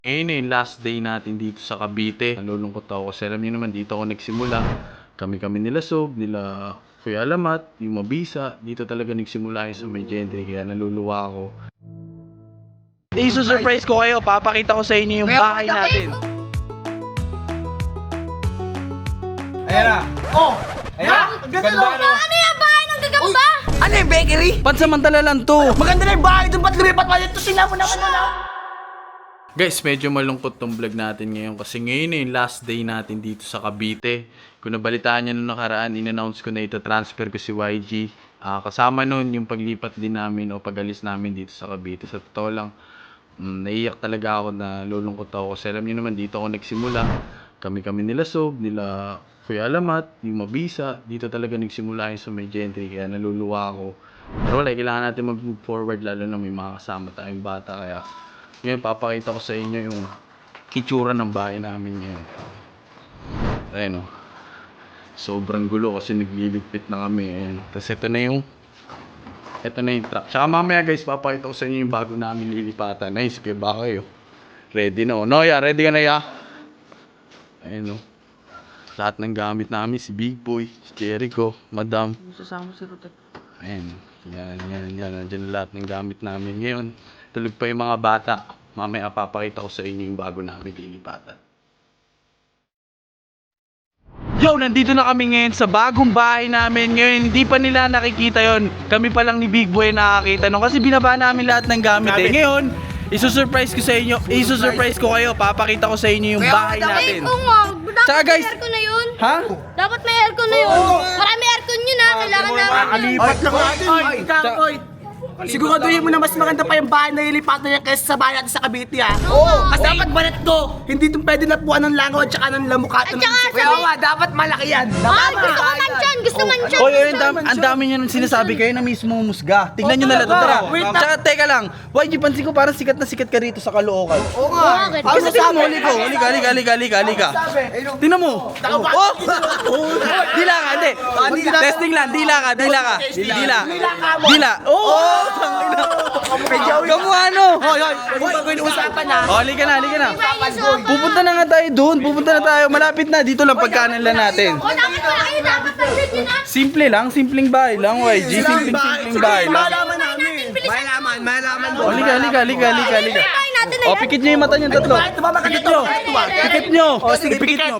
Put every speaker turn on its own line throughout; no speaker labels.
Ngayon na yung last day natin dito sa Cavite. Nalulungkot ako kasi alam niyo naman dito ako nagsimula. Kami nila Sob, nila Kuya Alamat, yung Mabisa. Dito talaga nagsimula yung sa may gentry kaya naluluwa ako. I-surprise ko kayo, papakita ko sa inyo yung bahay natin.
Ayan na. Oh! Ayan! Ganda no?
Ano yung bahay ng gagamba?
Ano yung bakery?
Pansamantala lang to.
Maganda na yung bahay doon. Ba't lumipat pa dito? Sila mo naman na.
Guys, medyo malungkot tong vlog natin ngayon kasi ngayon na yung last day natin dito sa Cavite. Kung nabalitaan nyo nung nakaraan, in-announce ko na ito-transfer ko si YG. Kasama nun yung paglipat din namin o pag-alis namin dito sa Cavite. Sa totoo lang, naiyak talaga ako na lulungkot ako kasi alam nyo naman dito ako nagsimula. Kami nila Sob, nila Kuya Alamat, yung Mabisa. Dito talaga nagsimula yung sa may gentry kaya naluluwa ako. Pero wala, kailangan natin mag-move forward lalo na may mga kasama tayong bata kaya ngayon, papakita ko sa inyo yung kitsura ng bahay namin ngayon. Ayan o. Sobrang gulo kasi nagliligpit na kami. Ayan. Tapos ito na yung truck. Tsaka mamaya guys, papakita ko sa inyo yung bago namin lilipatan. Nice, kaya ba kayo? Ready na o. Noya, ready ka na ya? Ayan o. Lahat ng gamit namin, si Big Boy, si Jericho, Madam.
Sasama si Rutek.
Ayan. Yan. Nandiyan lahat ng gamit namin. Ngayon, tulog pa yung mga bata. Mamaya papakita ko sa inyo yung bago namin lilipatan. Yo, nandito na kami ngayon sa bagong bahay namin. Ngayon, hindi pa nila nakikita yon. Kami pa lang ni Big Boy nakakita nun. Kasi binaba namin lahat ng gamit eh. Ngayon, isusurprise ko sa inyo. Isusurprise ko kayo. Papakita ko sa inyo yung bahay natin.
Oo nga.
Tsaka,
Dapat
guys,
may aircon na yun.
Ha?
Dapat may aircon na yun. Marami aircon yun ha. Kailangan namin yun.
Kalipat lang natin. Oy! Siguraduhin mo na mas maganda pa yung bahay na ilipatan niya kaysa sa bahay natin sa Cavite ha.
Oo.
Kasi dapat balat to. Hindi itong pwede napuan ng langaw at saka ng lamukat.
At saka
Kaya nga, dapat malaki yan.
Ah, gusto ko mansyan. Gusto mansyan.
Oy, ang dami niyo nang sinasabi kayo na mismo musga. Tignan niyo na lang to, tara. Tsaka teka lang. YG, pansin ko parang sikat na sikat ka rito sa Caloocan.
Oo nga.
Bakit?
Kasi tingnan mo, halika. Tingnan mo. Oh! Dila ka, hindi. Testing lang, dila ka. Dila. Oh! Kamuha ano?
Hoy, bago yung usapan ha.
Oh, halika na. Pupunta na nga tayo doon. Pupunta na tayo. Malapit na. Dito lang pagkanan lang natin.
O, dapat wala kayo. Dapat nandyan yun ha.
Simple lang. Simpleng bahay lang, YG. Simpleng bahay lang.
Malaman namin. Malaman mo.
Oh, halika.
Bahay natin na
Oh,
yan.
pikit nyo yung mata nyo tatlo. Pikit nyo.
Oh, sige,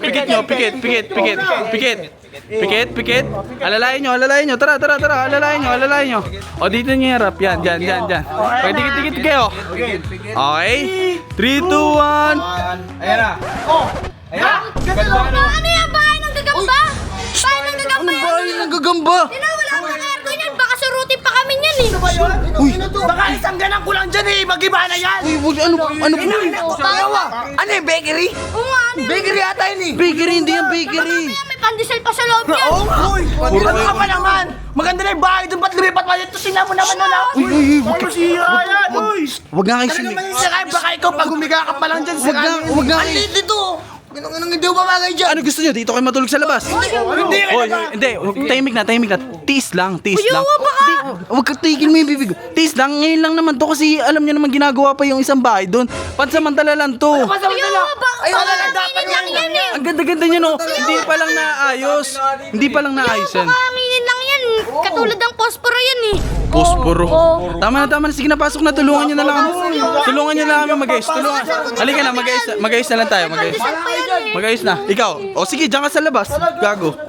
Pikit. Alalayan nyo. Tara. Alalayan nyo. O, dito nyo harap. Yan. Okay, dikit kayo. Okay. 3, 2, 1.
Ayan na. Oh! Ayan.
Ganda no? Ano yung bahay ng gagamba? Bahay ng gagamba yan.
Bahay ng gagamba.
Wala pang aircon yan. Baka surutin pa kami yan eh.
Uy! Baka isang ganang kulang dyan eh! Mag-iba na yan!
Uy, ano po?
Ano yung bakery?
Oo nga, ano yun?
Bakery yata yun eh!
Bakery, hindi yan bakery.
Mamaya may pandesal pa sa loob yan.
Oo nga! Uy! Ano ka pa naman? Maganda na yung bahay doon! Ba't lumipat pa dito? Sila mo naman na!
Uy,
Masira yan! Uy!
wag nga kayo
Ano
sila.
naman yung sakay? Baka ikaw pag humiga ka pa lang dyan
Wag nga.
Ang liit dito! Ganun hindi ko mamagay dyan!
Ano gusto nyo? Dito kayo matulog sa labas?
Hindi ka
Oy,
naman!
hindi. Tahimik na. Tiis lang.
Ayaw, baka.
Huwag ka tigil mo yung bibig. Tiis lang. Ngayon lang naman to kasi alam nyo naman ginagawa pa yung isang bahay doon. Pansamantala lang to.
Pasamantala! Ayun na lang dapat
lang yan eh.
Ang ganda-ganda nyo no. Hindi pa lang naayos. Yan.
Baka aminin lang yan. Katulad ng posporo yan eh.
Posporo.
Oo.
Tama na. Sige na, pasok na. Tulungan nyo na lang kami. Tulungan nyo na lang kami mag-ayos. Halika na, mag-ayos na lang tayo.
Pandesal pa yan eh.
Mag-ayos na. Ikaw. O sige, dyan ka sa labas. Gago.